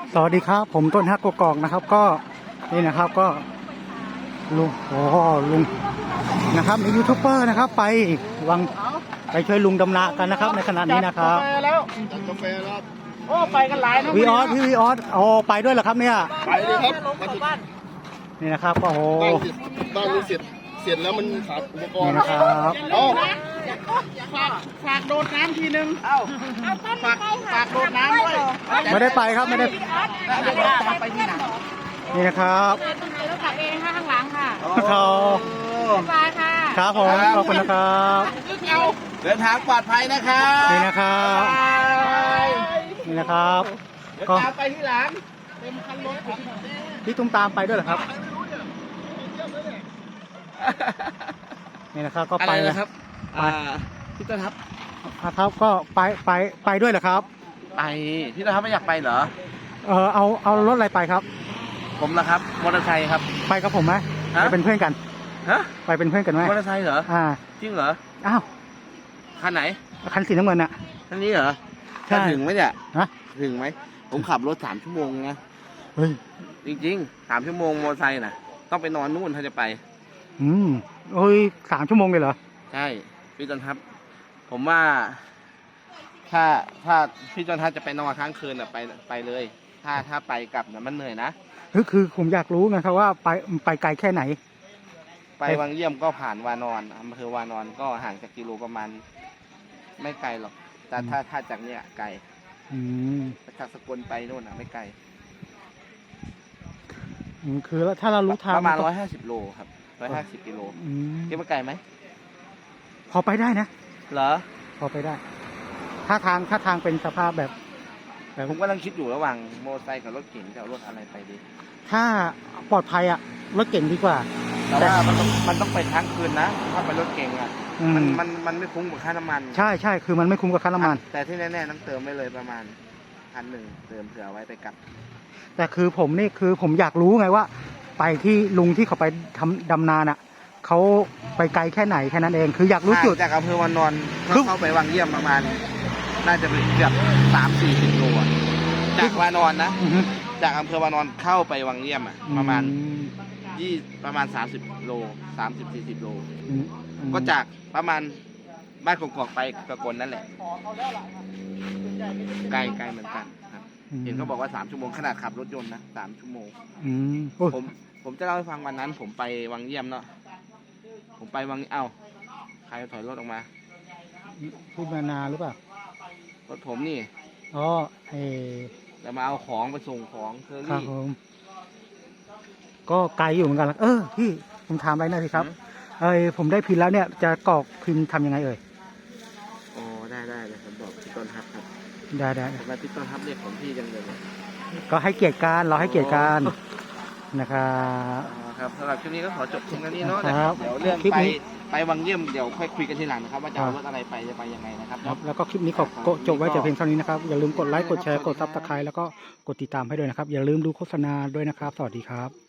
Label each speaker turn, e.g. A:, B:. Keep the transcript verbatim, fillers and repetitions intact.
A: สวัสดีครับผมต้นฮักกกอกนะครับก็นี่นะครับก็ลุงโอ้ลุงนะครับมียูทูบเบอร์นะครับไปวังไปช่วยลุงดำนากันนะครับในขณะนี้นะครับ
B: จัดกาแฟแล้ว
C: จัดกาแฟแล้ว
B: โอ้ไปกันหลายนะ
A: วีออสพี่วีออสโอ้ไปด้วยเหรอครับเนี่ย
C: ไปเลยครับมาถึง
A: นี่นะครับก็โอ้
C: บ้านเสร็จบ้านนี้เสร็จเสร็จแล้วมันขาดอุปกร
A: นี่
C: ณ์
A: นะครับ
C: เอา
B: ฝากฝากโดดน้ำทีนึงเอ้าฝากฝากโดดน้ำด้วย
A: ไม่ได้ไปครับไม่ได้
B: เดี๋ยวตามไปที่ไหน
A: นี่นะครับ
D: รถขับเองค่ะข้างหลังค่ะ
A: เขา
D: สบายค่ะ
A: ครับผมขอบคุณนะครับ
B: เดินทางปลอดภัยนะครับ
A: นี่นะครับนี่นะครับ
B: เดี๋ยว
A: ก็
B: ตามไปที่หลังเต็มคันรถผม
A: พี่ตุ้มตามไปด้วยเหรอครับนี่นะครับก็
B: อะ
A: ไป
B: ไร
A: นะ
B: นะครับอ่าพี่ต้นครับ
A: ครับก็ไปไปไปด้วยเหรอครับ
B: ไปพี่ต้นครับไม่อยากไปเหรอ
A: เออเอาเอารถอะไรไปครับ
B: ผมนะครับมอเตอร์ไซค์ครับ
A: ไปกับผมไหม
B: ฮะ
A: ไปเป็นเพื่อนกัน
B: ฮะ
A: ไปเป็นเพื่อนกันไหม
B: มอเตอร์ไซค์เหรอ
A: อ่า
B: จริงเหรอ
A: อ้าว
B: คันไหน
A: คันสีน้ำเงินน่ะ
B: คันนี้เหรอ
A: ใช่
B: จะถึงไหมเนี่ย
A: ฮะ
B: ถึงไหมผมขับรถสามชั่วโมงนะ
A: เฮ้ย
B: จริงๆสามชั่วโมงมอเตอร์ไซค์น่ะต้องไปนอนนู่นถ้าจะไป
A: อืมโอ้ยสามชั่วโมงเลยเหรอ
B: ใช่พี่ต้นทัพผมว่า ถ้าถ้าพี่ต้นทัพจะไปนอนค้างคืนอ่ะไปไปเลย ถ้าถ้าไปกลับน่ะมันเหนื่อยนะ
A: คือคือผมอยากรู้ไงครับว่าไปไปไกลแค่ไหน
B: ไปวังเยี่ยมก็ผ่านวานอนอำเภอวานอนก็ห่างจากกิโลประมาณ ไม่ไกลหรอก แต่ถ้าถ้าจากเนี้ยไกล
A: อืม
B: จากสกลไปนู่นอ่ะไม่ไกล
A: อืมคือแล้วถ้าเรารู้ทาง
B: ประมาณ
A: ก็
B: ร้อยห้าสิบโลครับร้อยห้าสิบกิโล
A: อืม
B: คิดว่าไกลไหม
A: พอไปได้นะ
B: เหรอ
A: พอไปได้ ถ้าทางถ้าทางเป็นสภาพแบบ
B: ผมกำลังคิดอยู่ระหว่างมอเตอร์ไซค์กับรถเก๋งจะเอารถอะไรไปดี
A: ถ้าปลอดภัยอะรถเก่งดีกว่า
B: แต่ว่ามันต้องมันต้องไปค้างคืนนะถ้าไปรถเก๋งอ่ะ
A: อืม
B: มันมันมันไม่คุ้มกับค่าน้ำมัน
A: ใช่ใช่คือมันไม่คุ้มกับค่าน้ำมัน
B: แต่ที่แน่ๆต้องเติมไว้เลยประมาณพันหนึ่งเติมเผื่อไว้ไปกลับ
A: แต่คือผมนี่คือผมอยากรู้ไงว่า ไปที่ลุงที่เขาไปทำดำนาน่ะเขาไปไกลแค่ไหนแค่นั้นเองคืออยากรู้จุด
B: ห่างจากอำเภอวานอน
A: ครึ่ง
B: เข้าไปวังเยี่ยมประมาณ น่าจะเป็นเกือบสามสี่สิบโลอะจากวานอนนะ
A: อือฮึ
B: จากอำเภอวานอนเข้าไปวังเยี่ยมอะประมาณ
A: อืม
B: ยี่ประมาณสามสิบโลสามสิบสี่สิบโล
A: อืมอืม
B: ก็จากประมาณบ้านกอกๆไปกระกนนั่นแหละไกลไกลเหมือนกันครับ เห็นเขาบอกว่าสามชั่วโมงขนาดขับรถยนต์นะสามชั่วโมง
A: อืมโอ้ย
B: ผมผมจะเล่าให้ฟังวันนั้น ผมไปวังเยี่ยมเนาะผมไปวังเอ้าใครถอยรถออกมา
A: พูดมานาหรือเปล่าร
B: ถผมนี่
A: อ๋อเออ
B: จะมาเอาของไปส่งของเคอ
A: ครับ
B: รี่
A: ผมก็ไกลอยู่เหมือนกันละเออพี่ผมถามอะไรหน่อยสิครับ เอ้ยผมได้พินแล้วเนี่ยจะกรอกพินทำยังไงเอ่ย
B: อ๋อได้ได้เลยผมบอกพี่ต้นฮับครับ
A: ได้ได้
B: ทำไมพี่ต้นฮับเรียกผมพี่จังเลยเนี่ย
A: ก็ให้เกียรติกันเราให้เกียรติกันนะครับ
B: อ๋อครับสำหรับคลิปนี้ก็ขอจบเพียงเท่านี้เนาะ
A: ครับ
B: เดี๋ยวเรื่อง
A: คลิป
B: ไป
A: นี้
B: ไปวังเยี่ยมเดี๋ยวค่อยคุยกันทีหลังนะครับ ว่าจะเอา
A: ครับ
B: รถอะไรไปจะไปยังไงนะครับ
A: ครับแล้วก็คลิปนี้ขอก็จบไว้แต่เพียงเท่านี้นะครับ อย่าลืมกดไลค์ กดแชร์ กดซับสไครต์แล้วก็กดติดตามให้ด้วยนะครับ อย่าลืมดูโฆษณาด้วยนะครับ สวัสดีครับ